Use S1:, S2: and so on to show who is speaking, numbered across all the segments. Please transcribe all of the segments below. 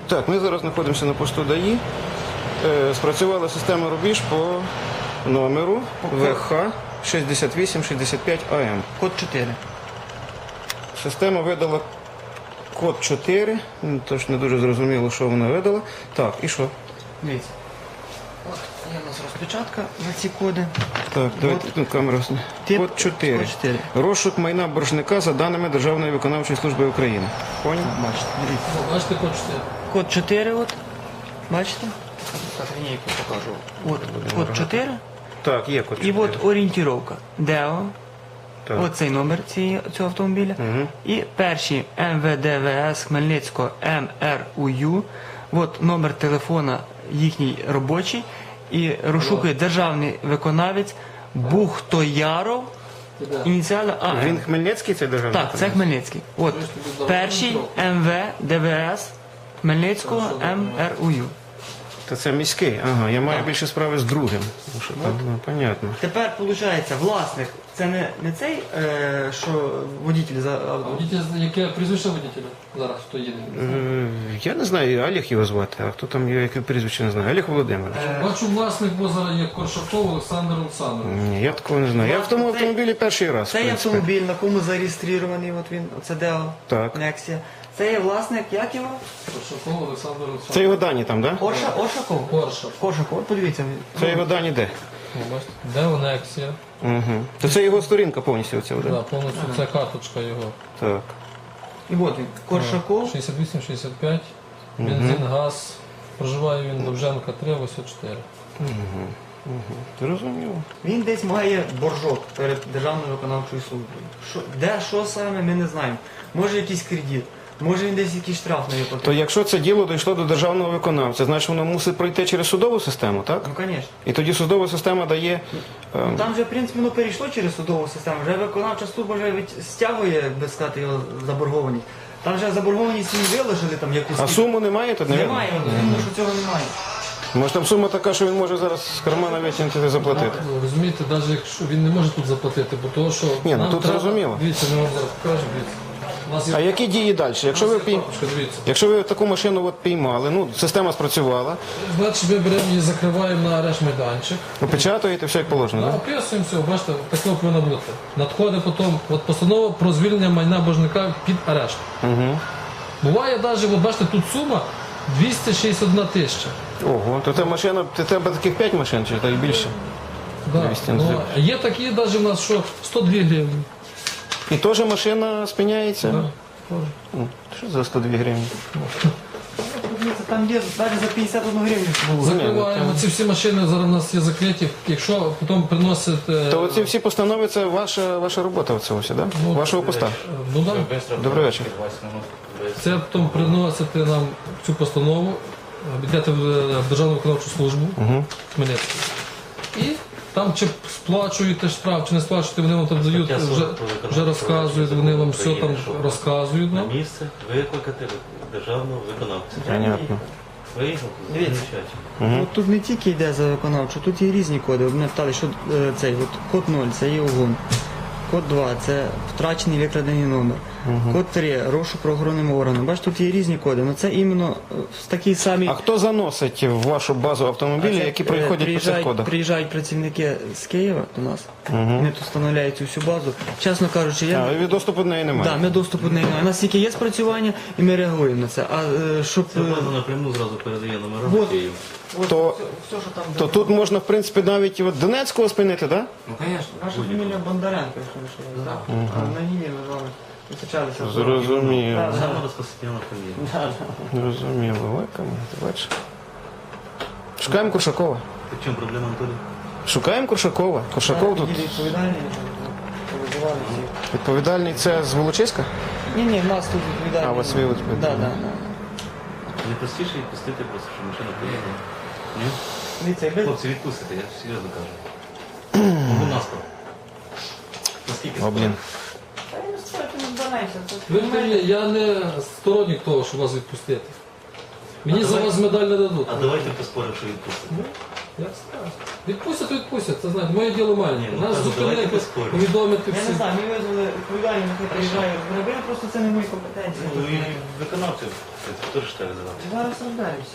S1: Так, ми зараз знаходимося на посту ДАІ. Спрацювала система рубіж по номеру ВХ 6865 АМ.
S2: Код 4.
S1: Система видала код 4, тож не дуже зрозуміло, що вона видала. Так, і що?
S2: Дивіться. От є у нас розпечатка на ці коди.
S1: Так, давайте тут камера. Код 4.
S2: Код 4.
S1: Розшук майна боржника за даними Державної виконавчої служби України. Поняв?
S2: Бачите, дивіться.
S3: Бачите, код 4.
S2: Код 4 от. Бачите? Так, лінійку покажу. От код 4.
S1: Так, є код 4.
S2: І от орієнтировка. ДЕО.
S1: Так.
S2: Оцей номер цього автомобіля. І перші МВДВС Хмельницького МРУЮ. От номер телефона їхній робочий. І розшукує державний виконавець Бухтояров. Ініціали АМ.
S1: Він Хмельницький, цей державний?
S2: Так, це Хмельницький. От перший МВДВС Хмельницького МРУЮ.
S1: Та це міський. Ага, я маю більше справи з другим. Ну, що там, ну, понятно.
S2: Тепер, виходить, власник, це не цей, що водитель за
S3: Водитель, яке прізвище водителя зараз, хто їде?
S1: Я не знаю, Олег його звати, а хто там його, яке прізвище не знаю. Олег Володимирович.
S3: Бачу, власник базара є Коршаков Олександр Олександрович.
S1: Ні, я такого не знаю. Я в тому автомобілі перший раз. в
S2: Цей
S1: принципі.
S2: автомобіль, на кому зареєстрований, от він, оце ДЕО,
S1: Так.
S2: Нексія. Це є власник, як його?
S3: Коршаков Олександр
S1: Це
S3: Олександрович.
S1: його дані там, так? Да?
S2: Оршаков?
S3: Коршак.
S2: Коршаков, от подивіться.
S1: Це його дані де?
S3: О, бачите? Де Онексія?
S1: Угу. То це його сторінка повністю оця,
S3: Да,
S1: да?
S3: повністю це карточка його.
S1: Так.
S2: І от він, Коршаков.
S3: 68-65, бензин, газ. Проживає він Довженка 3, 84.
S1: Зрозуміло.
S2: Він десь має боржок перед Державною виконавчою службою. Де, що саме, ми не знаємо. Може якийсь кредит, може він десь якийсь штраф на його
S1: То
S2: платить.
S1: якщо це діло дійшло до державного виконавця, значить воно мусить пройти через судову систему, так?
S2: Ну, звісно.
S1: І тоді судова система дає...
S2: Там вже, в принципі, воно перейшло через судову систему. Вже виконавча служба вже стягує, як би сказати, його заборгованість. Там вже заборгованість їм виложили там якусь.
S1: А суму немає тут, не видно?
S2: Немає, тому що цього немає.
S1: Може там сума така, що він може зараз з кармана витягнути і заплатити?
S3: Ну, розумієте, навіть якщо він не може тут заплатити, бо того, що
S1: Ні, ну
S3: нам
S1: тут
S3: треба...
S1: зрозуміло.
S3: Дивіться, ми вам зараз покажемо, дивіться. У нас є...
S1: А які дії далі? Якщо ви,
S3: Папочка, дивіться.
S1: якщо ви таку машину от піймали, ну, система спрацювала,
S3: Значить, ми беремо її, закриваємо на арешт майданчик.
S1: опечатуєте, все як положено, так?
S3: Описуємо все, бачите, такого повинно бути. Надходить потім от постанова про звільнення майна боржника під арешт.
S1: Угу.
S3: Буває навіть, от бачите, тут сума 261 тисяча.
S1: Ого, то та машина, ти тебе таких 5 машин, чи та й більше?
S3: Да.
S1: 200
S3: Ну, є такі навіть у нас, що 102 гривні.
S1: І теж машина спиняється?
S3: Да.
S1: Що за 102 гривні?
S2: Там є навіть за 51 гривню було.
S3: Закриваємо ці всі машини, зараз у нас є закриті. Якщо потім приносить...
S1: То оці всі постанови, це ваша робота оце ось, да? Вашого поста?
S3: Ну, да.
S1: Добрий вечір.
S3: Це потім приносите нам цю постанову, йдете в Державну виконавчу службу Хмельницький. І там чи сплачуєте штраф, чи не сплачуєте, вони вам там дають, вже розказують, вони вам все там розказують.
S4: На
S3: нам.
S4: місце викликати державного виконавця.
S1: Понятно.
S4: Виїхав,
S2: Дивіться.
S4: замечательно.
S2: От тут не тільки йде за виконавчу, тут є різні коди. Ви мене питали, що цей от, код 0 це є угон. Код 2 це втрачений викрадений номер. Код 3 розшук правоохоронним органом. Бачите, тут є різні коди. Але це іменно в такій самій...
S1: А хто заносить в вашу базу автомобілі, які проходять по цих кодах?
S2: Приїжджають працівники з Києва до нас. Вони тут встановляють цю всю базу. Чесно кажучи,
S1: А, і доступу до неї немає?
S2: ми доступу до неї немає. У нас тільки є спрацювання і ми реагуємо на це. А щоб...
S4: Це база напряму зразу передає номера
S2: Вот.
S4: в Київ.
S1: То-
S2: все, що там...
S1: То тут можна, в принципі, навіть от Донецького спинити, так?
S2: Ну, звісно. Наша фамілія Бондаренко, якщо ви що знаєте. А на ній ми з вами зустрічалися.
S1: Зрозуміло.
S2: Да.
S4: Розпосередньо фамілія.
S1: Зрозуміло. Лайками, ти бачиш? Шукаємо Куршакова.
S4: В чому проблема, Анатолій?
S1: Шукаємо Куршакова. Куршаков тут
S2: Відповідальний, повизивали всіх.
S1: відповідальний. Це з Волочиська?
S2: Ні, в нас тут відповідальний.
S1: А, у вас свій відповідальний.
S2: Да.
S4: Не простіше відпустити просто, щоб машина поїхала. Ні?
S2: Дивіться, якби...
S4: Хлопці, відпустите, я серйозно кажу. Ну, наспор. Наскільки?
S1: О, блін.
S2: Та й не стоїть, не збираємося.
S3: Вірте мені, я не сторонник того, щоб вас відпустити. Мені за вас медаль не дадуть.
S4: А давайте поспоримо, що відпустите.
S3: Як скажеш. Відпустять, то відпустять, це знаєте, моє діло маленьке.
S4: Ні,
S3: Нас
S4: ну,
S3: зупинити,
S4: давайте без спорів.
S3: повідомити
S2: Я не
S3: всі.
S2: знаю, ми визвали відповідальні, нехай приїжджає розробили, просто це не мої компетенції.
S4: Ну, і виконавців теж треба задати.
S2: Зараз розберемося.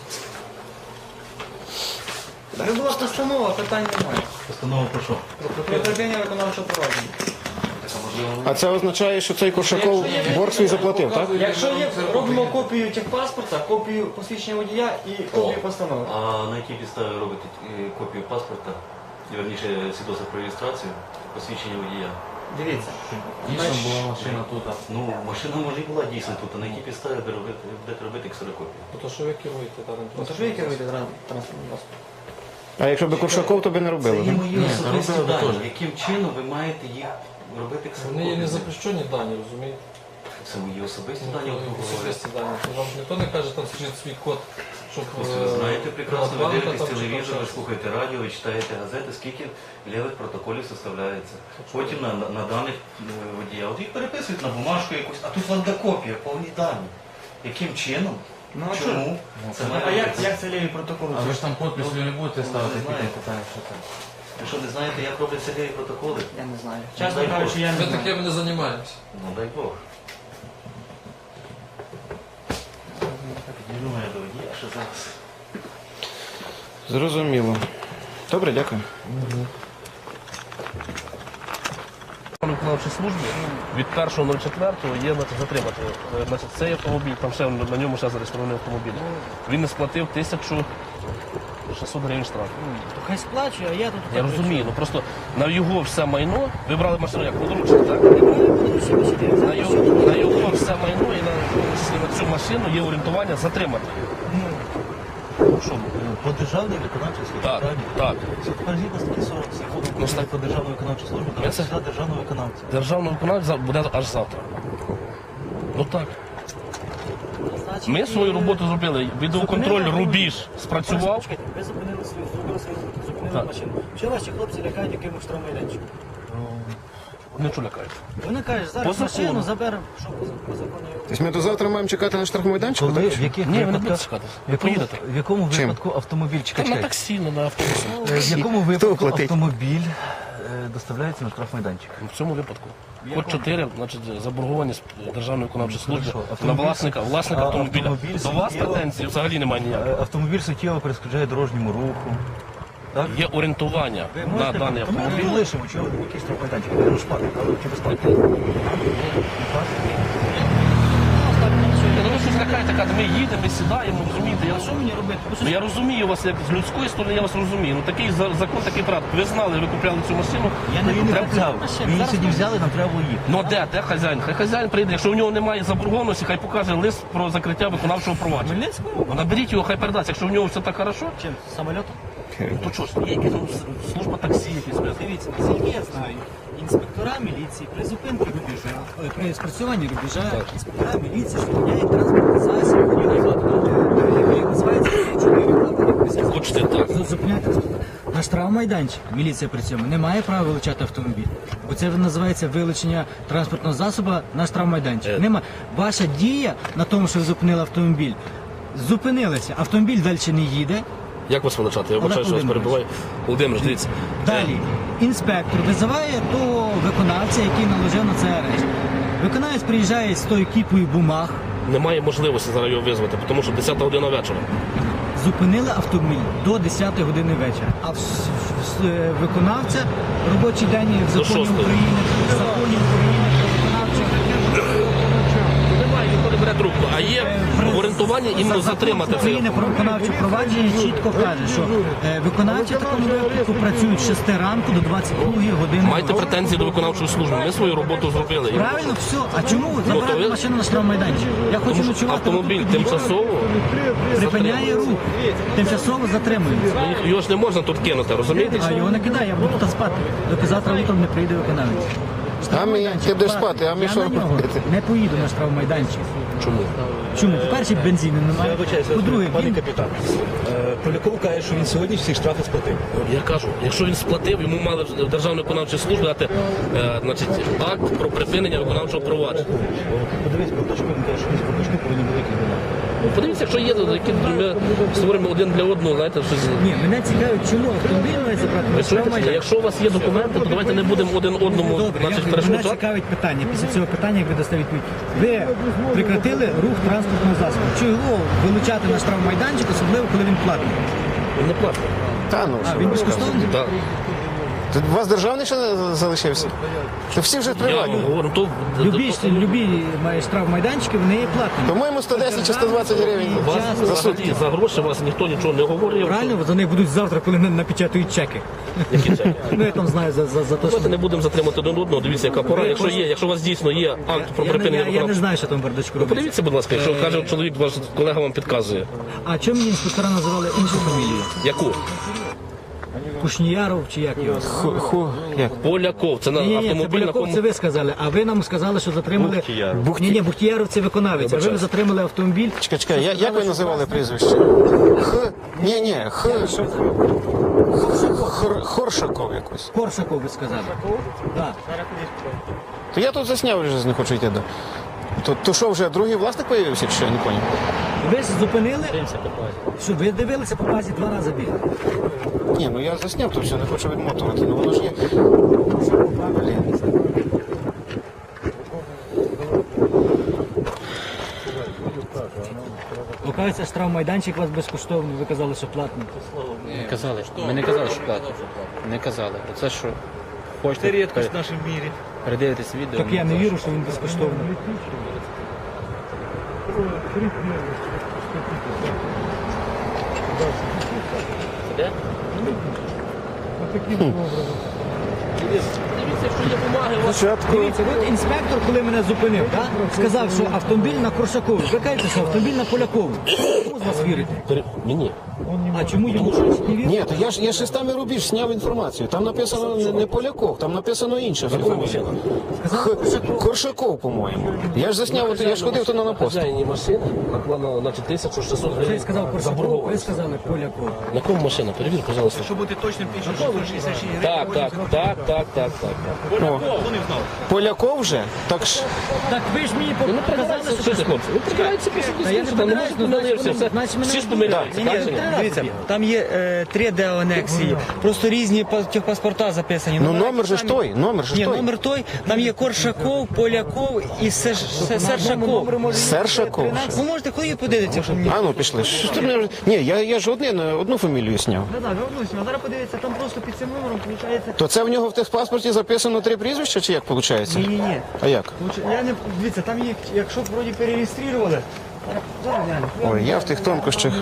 S2: Якби була постанова, питань немає.
S4: Постанова про що?
S2: Про припинення виконавчого провадження.
S1: А це означає, що цей Коршаков борг свій заплатив, так?
S2: Якщо є, робимо копію техпаспорта, копію посвідчення водія і копію постанови.
S4: А на якій підставі робите копію паспорта, і верніше свідоцтво про реєстрацію, посвідчення водія?
S2: Дивіться.
S4: Дійсно була машина тут. Ну, машина може і була дійсно тут, а на якій підставі будете робити ксерокопію?
S3: То що ви керуєте даним
S2: Ну, то ж ви керуєте транспортним засобом.
S1: А якщо б Коршаков, то би не
S4: Це
S1: робили.
S4: є
S1: так?
S4: мої особисті дані. Яким чином ви маєте їх робити
S3: Вони є
S4: ксерокопію?
S3: незапрещені дані, розумієте?
S4: Це мої особисті дані, от ви говорите.
S3: Особисті дані. Вам ж ніхто не каже, там скажіть свій код, щоб...
S4: Ви знаєте прекрасно, ви
S3: банка
S4: дивитесь
S3: там чи
S4: телевізор, ви
S3: там
S4: слухаєте радіо, ви читаєте газети, скільки лівих протоколів составляється. Потім на даних водія. От їх переписують на бумажку якусь, а тут ландокопія, повні дані. Яким чином?
S2: Ну, а
S4: Чому? Це
S2: А як це ліві протоколи?
S5: А ви ж там підпис ви не будете ставити,
S4: не знаю.
S5: тільки питання, що це.
S4: Ви що, не знаєте, як робляться ліві протоколи?
S2: Я не знаю.
S4: Дай
S2: Чесно
S4: Бог.
S2: кажучи, я
S3: Ми
S2: не знаю.
S3: таким не займаємося.
S4: Ну дай Бог. Підійду мене до водія, що зараз.
S1: Зрозуміло. Добре, дякую.
S6: Виконавчій службі від 1.04 є затримати. Значить, цей автомобіль, там ще на ньому ще зареєстрований автомобіль. Він не сплатив 1600 гривень штрафу.
S2: Хай сплачує, а я тут...
S6: Я розумію, ну просто на його все майно, ви брали машину як подручник, так? На його все майно і на цю машину є орієнтування затримати. Що?
S4: По державній виконавчій службі,
S6: Так,
S4: правильно?
S6: так.
S4: Це тепер згідно статті 47
S6: Ну, так.
S4: по державній виконавчій службі,
S6: Я
S4: давайте
S6: це-
S4: сюди державного виконавця.
S6: Державний виконавець буде аж завтра. Ну так. Ми свою роботу зробили. Відеоконтроль рубіж спрацював.
S7: Ви зупинили свою, зробили свою роботу, зупинили
S6: Так.
S7: машину. Що ваші хлопці лякають якимось штрафмайданчиком?
S6: Не чу лякають.
S7: Вони кажуть, зараз
S6: По закону.
S7: машину заберемо. Що по закону?
S1: Тобто ми до завтра маємо чекати на штрафмайданчику, так?
S4: в яких
S6: Ні, ви не будете
S4: випадках,
S6: чекати.
S4: в
S6: Ви
S4: якому,
S6: поїдете.
S4: в якому
S1: Чим?
S4: випадку автомобіль,
S6: Там
S4: чекай,
S6: на
S4: чекай.
S6: таксі, на автобусі.
S4: В якому випадку
S1: платить?
S4: автомобіль доставляється на штрафмайданчик?
S6: В цьому випадку. Код 4, значить, заборгованість Державної виконавчої служби
S4: Хорошо.
S6: на власника автомобіля.
S4: автомобіль
S6: До вас
S4: суттєво-
S6: претензій взагалі немає ніяких.
S4: Автомобіль суттєво перешкоджає дорожньому руху. Так?
S6: Є орієнтування на даний автомобіль.
S4: Ми лишимо, чого якийсь штрафмайданчик. Я розплатив, але чи безплатно?
S6: Ну ви щось лякаєте, кажете, ми їдемо, ми сідаємо, розумієте? Я,
S7: Що мені робити?
S6: ну, я розумію вас, як з людської сторони, я вас розумію. Ну такий закон, такий порядок. Ви знали, ви купляли цю машину.
S7: Я не
S6: Треба-
S7: купляв.
S4: Ми її сьогодні взяли, нам треба було їхати.
S6: Ну де хазяїн? Хай хазяїн прийде. Якщо в нього немає заборгованості, хай покаже лист про закриття виконавчого провадження.
S7: Хмельницькому?
S6: Ну, наберіть його, хай передасть. Якщо в нього все так хорошо,
S7: Чим? Самольотом?
S6: то що ж, є якась служба таксі, якісь.
S7: Дивіться, наскільки я знаю, інспектора міліції при зупинці рубежа, при спрацюванні рубежа, інспектора міліції зупиняють транспортний засіб, який називається 4.
S6: Хочете так.
S7: Зупиняють транспорт. Наш штрафмайданчик, міліція при цьому, не має права вилучати автомобіль. Бо це називається вилучення транспортного засобу на штрафмайданчик. Нема. Ваша дія на тому, що ви зупинили автомобіль, зупинилися, автомобіль далі не їде.
S6: Як вас величати? Я
S7: Олег
S6: вибачаю, що вас
S7: Володимирович.
S6: перебуваю. Володимир, дивіться.
S7: Далі інспектор визиває того виконавця, який наложив на це арешт. Виконавець приїжджає з тою кіпою бумаг,
S6: Немає можливості зараз його визвати, тому що 10 година вечора.
S7: зупинили автомобіль до 10 години вечора. А виконавця робочий день в законі
S6: 6-ї.
S7: України, в законі України про виконавчу.
S6: Немає, ніхто не бере трубку. А є орієнтування іменно затримати цей
S7: України про
S6: автомобіль.
S7: виконавче провадження чітко каже, що виконавці в такому випадку працюють з 6 ранку до 22 години.
S6: Маєте претензії до виконавчої служби. Ми свою роботу зробили.
S7: Правильно, все. А чому ви
S6: то
S7: забрали
S6: ви-
S7: машину на штрафмайданчик? Я хочу
S6: Тому що
S7: ночувати.
S6: автомобіль
S7: тут під'їхав.
S6: тимчасово,
S7: Припиняє рух. Тимчасово затримується.
S6: його ж не можна тут кинути, розумієте?
S7: А його не кидає, я буду тут спати, доки завтра утром не прийде виконавець.
S1: А ми, ти будеш спати, а ми
S7: Я
S1: що
S7: на нього
S1: робити?
S7: не поїду на штрафмайданчик.
S6: Чому?
S7: Чому? По-перше, бензину немає. По-друге,
S5: Пане
S7: він
S5: капітан, Поляков каже, що він сьогодні всі штрафи сплатив.
S6: Я кажу, якщо він сплатив, йому мали в Державної виконавчої служби дати значить, акт про припинення виконавчого провадження.
S5: Подивись, проточку, він каже, що він з проточку повинні великий вина.
S6: Подивіться, якщо є, які ми створимо один для одного, знаєте, щось.
S7: Ні, мене цікавить, чому автомобіль має забрати на
S6: Ви чуєте?
S7: штрафмайданчик.
S6: Якщо у вас є документи, то давайте не будемо один одному
S7: Добре,
S6: значить,
S7: мене
S6: перешкоджати.
S7: цікавить питання. Після цього питання, як ви дасте відповідь. Ви прекратили рух транспортного засобу. Чого вилучати на штрафмайданчик, особливо коли він платний?
S6: Він не платить.
S1: Та ну, що
S7: Він
S1: ви
S7: безкоштовний?
S6: Так.
S1: розказуєте? У вас державний ще не залишився? То всі вже
S6: Я
S1: приватні.
S6: говорю, то
S7: Любі штрафмайданчики, вони є платні.
S1: По-моєму, 110 чи 120 гривень
S6: вас
S1: за
S6: взагалі
S1: сутки.
S6: за гроші вас ніхто нічого не говорив.
S7: Правильно, за них будуть завтра, коли напечатають чеки.
S6: Які чеки?
S7: Ну я там знаю за те, що...
S6: Давайте не будемо затримати один одного, дивіться, яка пора. Якщо у вас дійсно є акт про припинення
S7: Я не
S6: виконавчого.
S7: знаю, що там в бардачку робиться.
S6: Подивіться, будь ласка, якщо каже чоловік, ваш колега вам підказує.
S7: А чому мені інспектора називали іншу фамілію?
S6: Яку?
S7: Кушніяров чи як його?
S1: Як?
S6: Поляков. Це на
S7: Ні, це
S6: автомобіль, на
S7: Поляков,
S6: кому...
S7: це ви сказали, а ви нам сказали, що затримали... Ні, Бухтіяров це виконавець, а ви затримали автомобіль.
S1: Чекай, як ви називали прізвище? Хоршаков якось.
S7: Корсаков ви сказали. Так.
S1: То я тут засняв, вже не хочу йти до. То що, вже другий власник появився, чи що, я не поняв?
S7: Ви зупинили, що ви дивилися по базі 2 рази бігли.
S1: Ні, ну я засняв, то все, не хочу відмотувати, ну воно ж є. Блін.
S7: Лукавиця штрафмайданчик у вас безкоштовний, ви казали, що платний.
S8: Не казали. Ми не казали, що платять. Не казали. Оце що хочете. Це рідкость в нашому мірі. Передивитесь відео.
S7: Так я не вірю, що він безкоштовний.
S6: Дивіться, якщо є бумаги, у вас
S1: Спочатку.
S7: Дивіться, от інспектор, коли мене зупинив, сказав, що автомобіль на Коршакові. Ви кажете, що автомобіль на Полякові. Кому з вас вірити?
S6: Мені.
S7: А чому йому щось не вірите?
S1: Ні, то я шестами рубіж зняв інформацію. Там написано не Поляков, там написано інше. Коршаков, по-моєму. Я ж засняв, от я ж ходив то на пост.
S6: Хазяїні машини накладено, значить, 1600
S7: Ти
S6: гривень.
S7: сказав Коршаков, ви сказали Поляков.
S6: На кому машина? Перевір, пожалуйста.
S8: Щоб бути точним, 1666 гривень.
S6: Так.
S1: О, Поляков вже? Так ж.
S7: Так ви ж мені
S6: Ви не
S7: показали,
S6: придирайтеся,
S7: що
S6: що ти, хлопці? Ви придирайтеся після
S7: Та я не
S6: дискусії, там не
S7: придираюсь,
S6: можуть
S7: ну,
S6: помилитися.
S7: значить, значить, мене
S6: Всі ж
S7: не
S6: помиляються,
S7: Ні,
S6: так чи ні?
S2: Дивіться, там є 3D анексії, просто різні техпаспорта записані.
S1: Ну
S2: Номера
S1: номер же ж
S2: самі-
S1: той, номер же ж
S2: Ні,
S1: той.
S2: номер той, там є Коршаков, Поляков і Сершаков.
S1: Сершаков.
S2: Ви можете ходити подивитися, що мені.
S1: А ну пішли. Що ти мене вже- Ні, я ж одну фамілію зняв.
S2: Да, вернусь, а зараз подивіться, там просто під цим номером виходить.
S1: То це в нього в техпаспорті записано 3 прізвища, чи як виходить?
S2: Ні.
S1: А як?
S2: Я не дивіться, там є, якщо б вроді перереєстрували. Зараз глянь.
S1: Ой, я в тих тонкощах.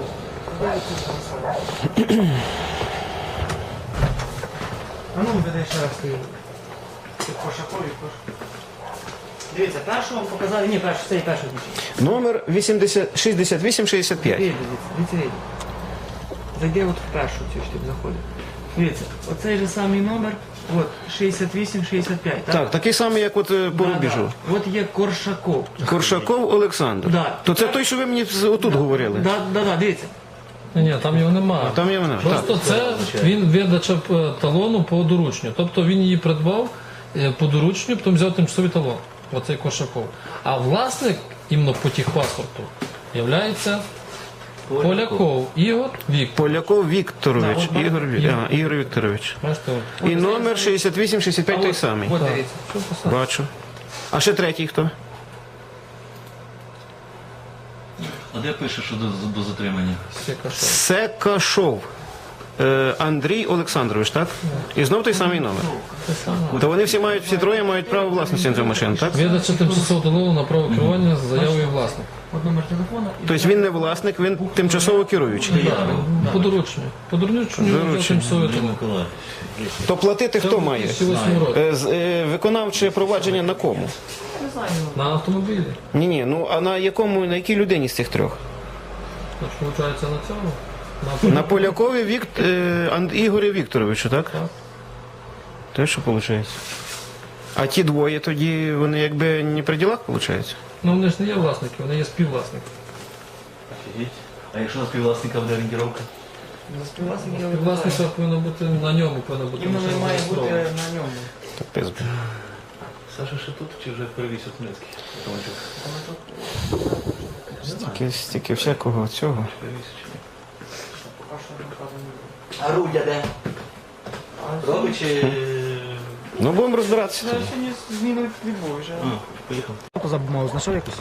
S2: А ну веде ще раз ти. Коршакові, Дивіться, першого вам показали, ні, цей перший дівчина.
S1: Номер 6865.
S2: Дивіться. Зайди от в першу цю штук заходить. Дивіться, оцей же самий номер, от 6865.
S1: Так, такий самий, як от по рубіжу.
S2: От є Коршаков.
S1: Коршаков Олександр.
S2: Да.
S1: То це той, що ви мені отут говорили.
S2: Да, дивіться.
S3: Ні, там його немає.
S1: Там є вона. Так.
S3: Просто це він видача талону по доручню. Тобто він її придбав по доручню, потім взяв тимчасовий талон. Оцей Коршаков. А власник іменно по техпаспорту являється Поляков Ігор Віктор.
S1: Поляков Вікторович.
S3: Да, от
S1: Ігор Вікторович.
S3: Бачите, от.
S1: І номер 6865 той самий.
S2: От дивіться.
S3: Що писати?
S1: Бачу. А ще третій хто?
S4: А де пише, що до затримання?
S3: Секашов.
S1: Секашов. Андрій Олександрович, так? І знов той самий номер. То вони всі троє мають право власності на цю машину, так?
S3: Видача тимчасового талону на право керування з заявою власника.
S2: От номер телефона.
S1: Тобто він не власник, він тимчасово керуючий.
S3: По доручню. По доручню взяв тимчасовий талон.
S1: То платити хто має?
S3: 2008 році.
S1: Виконавче провадження на кому?
S3: На автомобілі.
S1: Ні, ну а на якій людині з цих трьох?
S3: Значить, виходить на цьому.
S1: На Полякові Ігорі Вікторовичу, так?
S3: Так.
S1: Те, що виходить. А ті двоє тоді, вони якби не при ділах, виходить?
S3: Ну вони ж не є власники, вони є співвласники.
S4: А якщо на співвласника буде орієнтировка?
S3: Власника повинно бути на ньому, повинно бути
S2: Іменно
S3: машина
S2: має бути
S3: зареєстрована.
S2: на ньому.
S1: Так пизбі.
S4: Саша ще тут чи вже перевіз у Хмельницький?
S1: Стільки всякого цього.
S4: А Руля де? Робить чи...
S1: Ну, будемо розбиратися тоді.
S2: Сьогодні зміни відбувають.
S4: Поїхав.
S7: За бумагу знайшов якусь?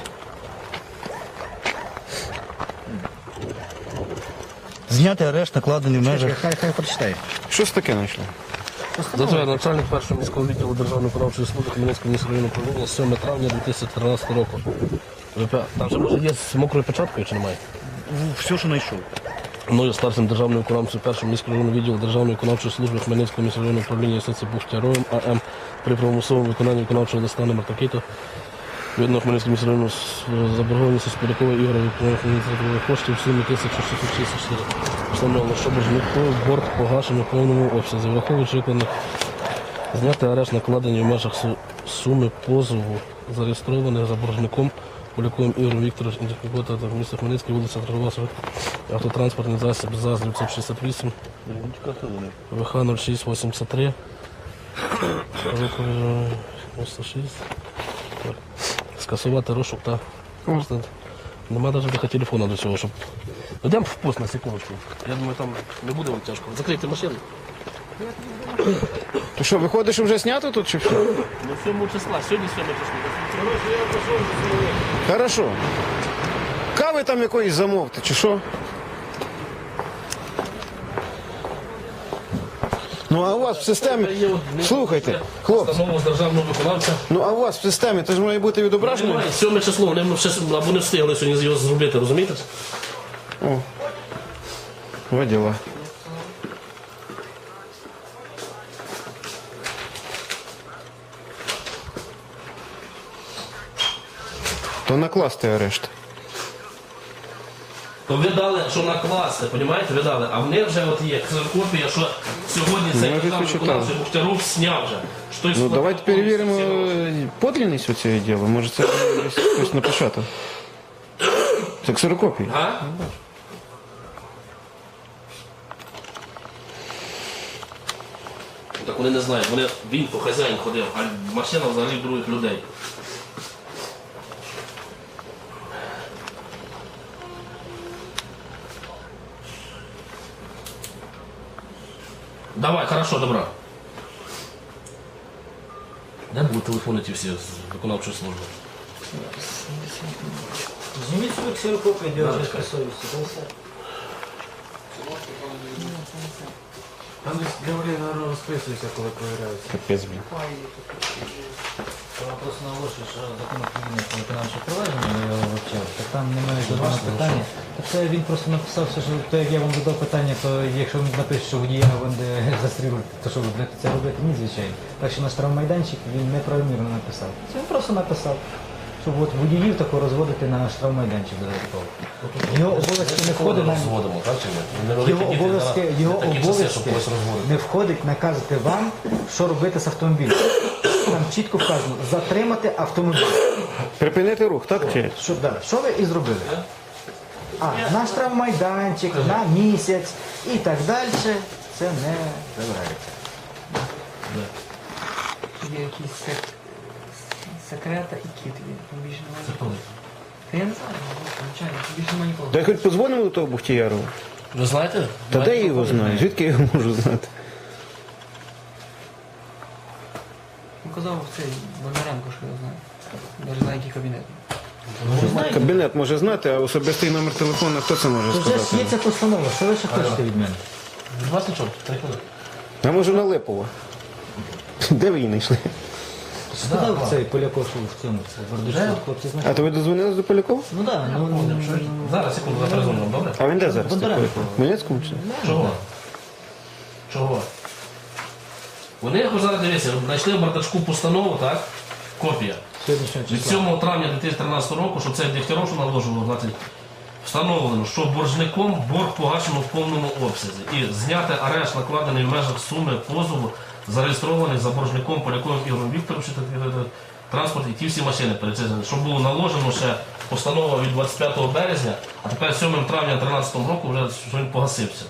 S5: Зняти арешт, накладений в межах.
S7: Хай прочитає.
S1: Щось таке знайшли.
S6: Затверджено начальник першого міського відділу Державної виконавчої служби Хмельницького міського районного управління 7 травня 2013 року. Там же може є з мокрою печаткою чи немає?
S5: Все, що знайшов.
S6: Мною старшим державним виконавцем першого міського районного відділу Державної виконавчої служби Хмельницького міського районного управління юстиції Бухтяровим АМ при примусовому виконанні виконавчого листа номер такий-то відно Хмельницького міського району заборгованості з Полякова Ігоря відповідних коштів в сумі 1664. Встановлено, що боржнику борг погашено в повному обсязі. Враховуючи виконаних зняти арешт накладені в межах суми позову, зареєстрованих за боржником Поляковим Ігорем Вікторовичем Інтеркота та місто Хмельницький, вулиця Торгова, автотранспортний засіб ЗАЗ 968, ВХ 0683, 96. Скасувати розшук та нема навіть телефона до цього, щоб... Йдемо в пост на секундочку. Я думаю, там не буде вам тяжко. Закрийте машину.
S1: То що, виходиш, вже знято тут чи що?
S6: Ну, 7 числа, сьогодні 7 числа.
S1: Хорошо. Кави там якоїсь замовте, чи що? Ну, а у вас в системі... Слухайте, хлопці,
S6: Постанову з державного виконавця.
S1: ну а у вас в системі, це ж має бути відображено?
S6: Немає, 7 число, вони ще або не встигли сьогодні його зробити, розумієте?
S1: О, во діла. То накласти арешт.
S6: То ви дали, що накласти, розумієте, ви дали, а в них вже от є ксерокопія, що сьогодні цей
S1: вже
S6: державний
S1: почитали.
S6: виконавця Бухтяров зняв вже. Що той
S1: Ну
S6: склад
S1: давайте
S6: повністю
S1: перевіримо
S6: всього.
S1: подлинність у цього діла. Може це десь хтось напечатав. Це ксерокопії.
S6: А? Так вони не знають, він по хазяїн ходив, а машина взагалі других людей. Давай, хорошо, добро. Де будуть телефони ті всі з виконавчої служби?
S7: Зніміть свою ксерокопію, дівчинка совісті.
S8: Там десь говорили, наверное, розписуються, коли перевіряються.
S1: Капець, блін.
S7: Вона просто наголошує, що закон України про виконавче провадження, я його вивчав, так там немає жодного питання. Так це він просто написав, що то, як я вам задав питання, то якщо він напише, що водія буде застрілити, то що ви будете це робити? Ні, звичайно. Так що наш штрафмайданчик він неправомірно написав. Це він просто написав, щоб от водіїв тако розводити на штрафмайданчик додатково. Його обов'язки не входить на...
S6: Розводимо, так чи ні?
S7: Його обов'язки не входить наказати вам, що робити з автомобілем. Там чітко вказано, затримати автомобіль.
S1: Припинити рух, так? Чи?
S7: Що ви і зробили? А на штрафмайданчик, на місяць і так далі, це не забирається.
S2: Є якісь секрета і кіт. Більше немає.
S6: Це коли?
S2: Та я не знаю, звичайно, більше немає нікого.
S1: Дай хоч подзвонимо до того Бухтіярова.
S6: Ви знаєте?
S1: Та де я його знаю? Звідки я його можу знати?
S2: Казав цей Бондаренко, що я знаю. Навіть знаю, який кабінет.
S1: Кабінет може знати, а особистий номер телефону хто це може
S7: Вже ж є
S1: сказати?
S7: ця постанова, що ви ще хочете від мене?
S6: Від вас нічого, 3 хвилини.
S1: А може на Липова? Де ви її знайшли?
S7: Сказав цей Поляков, що в цьому, в Гордичку, хлопці знають.
S1: А то ви дозвонились до Полякова?
S7: Ну так,
S6: Зараз, секунду, заперезвонимо, добре?
S1: А він де зараз?
S7: Бондаренко.
S1: В Хмельницькому чи?
S6: Чого? Чого? Вони, ось зараз дивіться, знайшли в бардачку постанову, так? Копія.
S7: Сьогоднішнього
S6: Від
S7: числа.
S6: 7 травня 2013 року, що це Дегтяров, що наложило, значить, встановлено, що боржником борг погашено в повному обсязі. І зняти арешт, накладений в межах суми позову, зареєстрований за боржником Поляковим Ігорем Вікторовичем, транспорт і ті всі машини перечислені. Що було наложено ще постанова від 25 березня, а тепер 7 травня 2013 року вже що він погасився.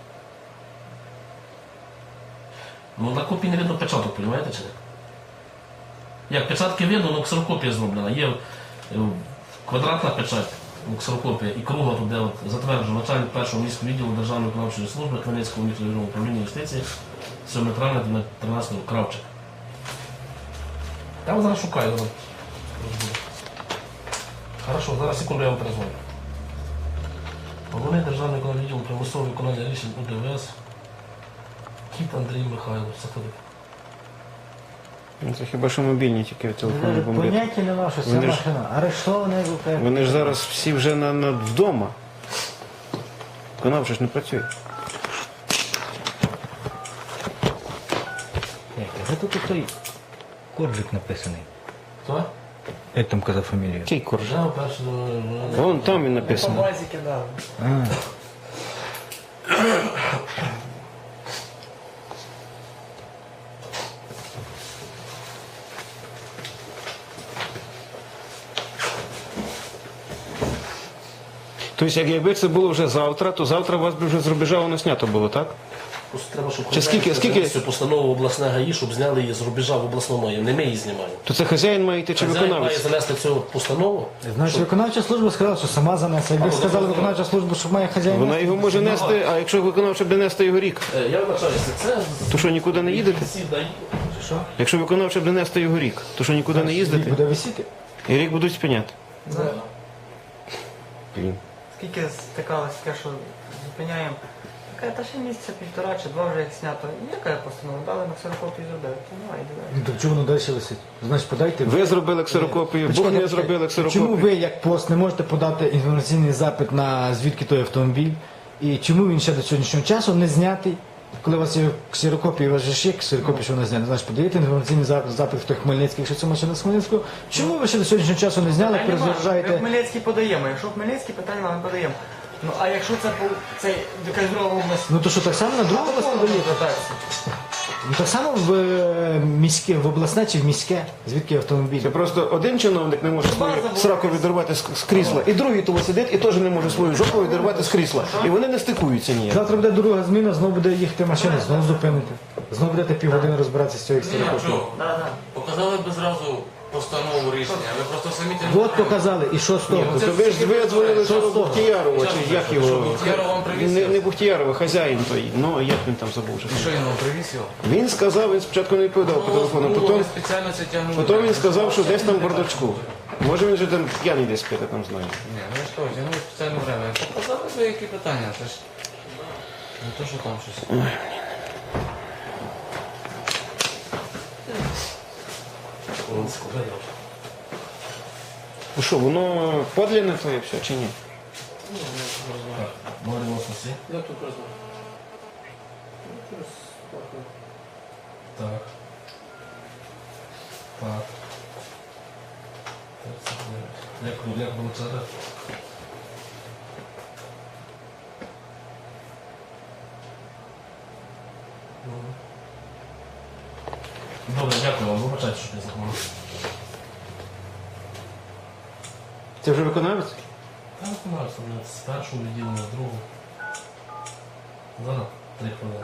S6: Ну, на копії не видно печаток, розумієте чи не? Як печатки видно, ну ксерокопія зроблена. Є квадратна печать, ксерокопія і круга тут, де от затверджено начальник першого міського відділу Державної виконавчої служби Хмельницького міськрайонного управління юстиції 7 травня 13 Кравчик. Я вас зараз шукаю. Зараз. Хорошо, зараз секунду я вам перезвоню. Головний Державний виконавчий відділ примусового виконання рішень УДВС Кіт Андрій Михайлович. Це хто такий?
S1: Ну, це хіба що мобільні тільки телефони бомблять.
S7: Поняття нема, що це
S1: Вони ж-
S7: машина. Арештована ВП.
S1: Вони ж зараз всі вже вдома. Виконавча ж не працює.
S5: Де тут той Коржик написаний?
S6: Хто?
S5: Як там казав фамілію?
S1: Який корж?
S6: Я перший.
S1: Вон там він написано.
S2: базі кидали.
S5: А,
S1: Тобто, якби це було вже завтра, то завтра у вас би вже з рубежа воно снято було, так?
S6: Просто треба, щоб
S1: Чи скільки-
S6: цю постанову обласне ГАІ, щоб зняли її з рубежа в обласному, не ми її знімаємо.
S1: То це хазяїн має йти чи
S6: Хазяїн має
S1: виконавець?
S6: занести цю постанову.
S7: Значить, виконавча служба сказала, що сама занесе. Якби сказали виконавча служба, що має хазяїн.
S1: Вона його може нести, а якщо виконавча буде нести його рік,
S6: Я вибачаюся, це
S1: то що нікуди не їдете?
S6: всі дають.
S1: Якщо виконавча буде нести його рік, то що нікуди не їздити?
S7: Буде висіти.
S1: І рік будуть спиняти. Блін.
S2: Скільки стикалось таке, що зупиняємо. Каже, та ще місяця півтора чи два вже як знято. Яка постанова? Дали на ксерокопію зробили. То давай, давай.
S7: Ну, то чому воно далі висить? Значить, подайте.
S1: Ви зробили ксерокопію, Бог не зробили
S7: Чому
S1: ксерокопію.
S7: ви, як пост, не можете подати інформаційний запит на звідки той автомобіль? І чому він ще до сьогоднішнього часу не знятий? Коли у вас є ксерокопія, у вас же ж є ксерокопія, що вона знята. Значить, подаєте інформаційний запит, хто Хмельницький, якщо це машина з Хмельницького. Чому ви ще до сьогоднішнього часу не зняли,
S2: Питань нема. Ми
S7: перезаряджаєте?
S2: Хмельницький подаємо. Якщо Хмельницький, питань вам не подаємо. Ну а якщо це був цей якась друга область,
S7: Ну то що, так само на другу вас подаєте?
S2: звертається.
S7: Ну так само в міське, в обласне чи в міське, звідки автомобіль?
S1: Це просто один чиновник не може свою сраку відірвати з крісла, і другий того сидить і теж не може свою жопу відірвати з крісла. І вони не стикуються ніяк.
S7: Завтра буде друга зміна, знову буде їхати машина, знову зупините. Знову будете півгодини розбиратися з цією ксерокопією.
S8: Показали б зразу постанову рішення, ви просто самі тим.
S7: От показали, і що з того?
S1: То ви ж дзвонили що Бухтіярова, чи як його?
S8: Бухтіяров вам привіз
S1: Не Бухтіярова, хазяїн той. Ну, як він там забув вже.
S8: Що він вам привіз його?
S1: Він сказав, він спочатку не відповідав по телефону, потім,
S8: спеціально це тягнули.
S1: потім він сказав, що десь там в бардачку. Може він же там п'яний десь п'яти, там знаю.
S8: Ні, ну що, тягнули спеціальне время. Показали би які питання, це ж. Не то, що там щось.
S1: Ну що, воно подлинне твоє все чи ні?
S6: Говоримо з усі.
S3: Я тут признаю.
S6: Так. Так. Як вилучати? Добре, дякую вам. Вибачайте, що я захворів.
S1: Це вже виконавець?
S6: Я виконався з першого відділення, з другого. Зараз 3 хвилини.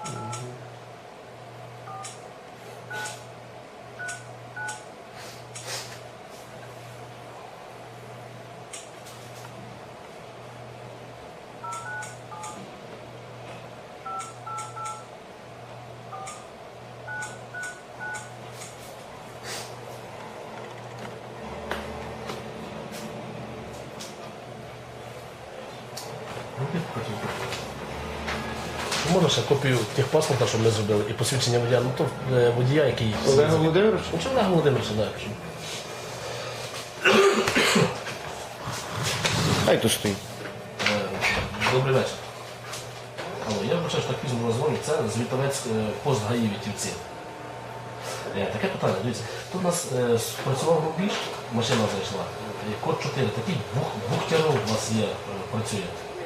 S6: Можна ще копію техпаспорта, щоб ми зробили, і посвідчення водія, ну то водія, який...
S1: Олега Володимирович?
S6: Ну, чи Олега Володимировича, так. Що...
S1: Хай тут стоїть.
S6: Добрий вечір. Алло, я вбачаю, що так пізно назвоню. Це звітовець пост ГАІ Вітівці. Таке питання, дивіться. Тут у нас спрацював рубіж, машина зайшла. Код 4, такий Бухтяров у вас є, працює.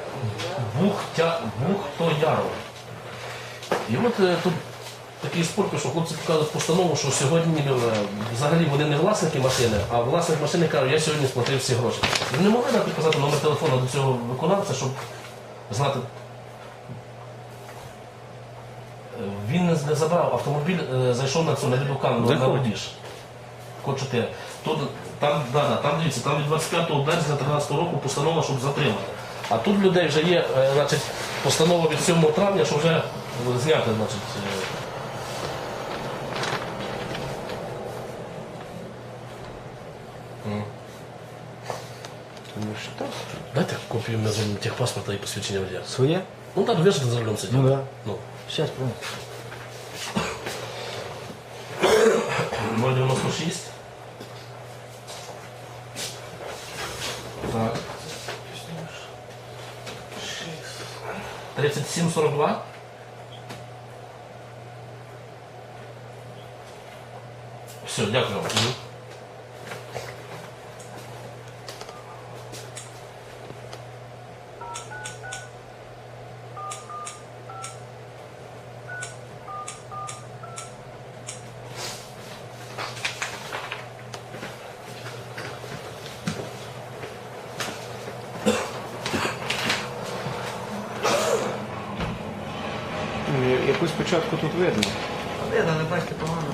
S6: Бухтояров. І от тут такий спор пішов, хлопці показують постанову, що сьогодні взагалі вони не власники машини, а власник машини каже, я сьогодні сплатив всі гроші. Ви не могли нам підказати номер телефону до цього виконавця, щоб знати. Він не забрав, автомобіль зайшов на цю на відеокамеру, на рубіж. Код 4. Тут Там дивіться, там від 25 березня 2013 року постанова, щоб затримати. А тут людей вже є, значить, постанова від 7 травня, що вже зняти, значить. Дайте копію техпаспорта і посвідчення водія.
S5: Своє?
S6: Ну так, ви ж за рулем сиділи.
S5: Ну да.
S6: Ну.
S5: Щас, помню.
S6: 096. Так. 3742. Все, дякую вам.
S1: Якусь початку тут видно.
S2: Видно, не бачите погано.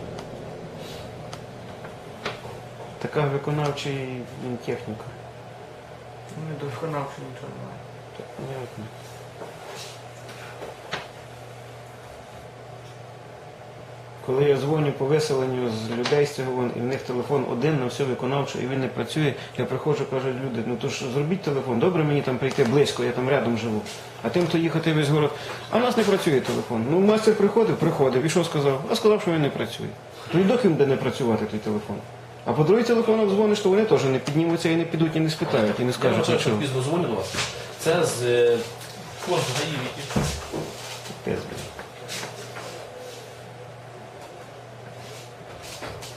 S1: Така виконавча техніка.
S2: Не до виконавчого нічого немає.
S1: Понятно. Коли я дзвоню по виселенню з людей з цього, і в них телефон один на всю виконавчу, і він не працює, я приходжу, кажуть люди, ну то ж зробіть телефон, добре мені там прийти близько, я там рядом живу. А тим, хто їхати весь город, а в нас не працює телефон. Ну, мастер приходив, і що сказав? А сказав, що він не працює. То й доки буде не працювати той телефон. А по другій телефонах дзвониш, то вони теж не піднімуться і не підуть, і не спитають, і не
S6: Я
S1: скажуть,
S6: вважаю,
S1: а
S6: що
S1: чого.
S6: пізно дзвоню до вас. Це з кожного гаївіки.
S1: Пиздець.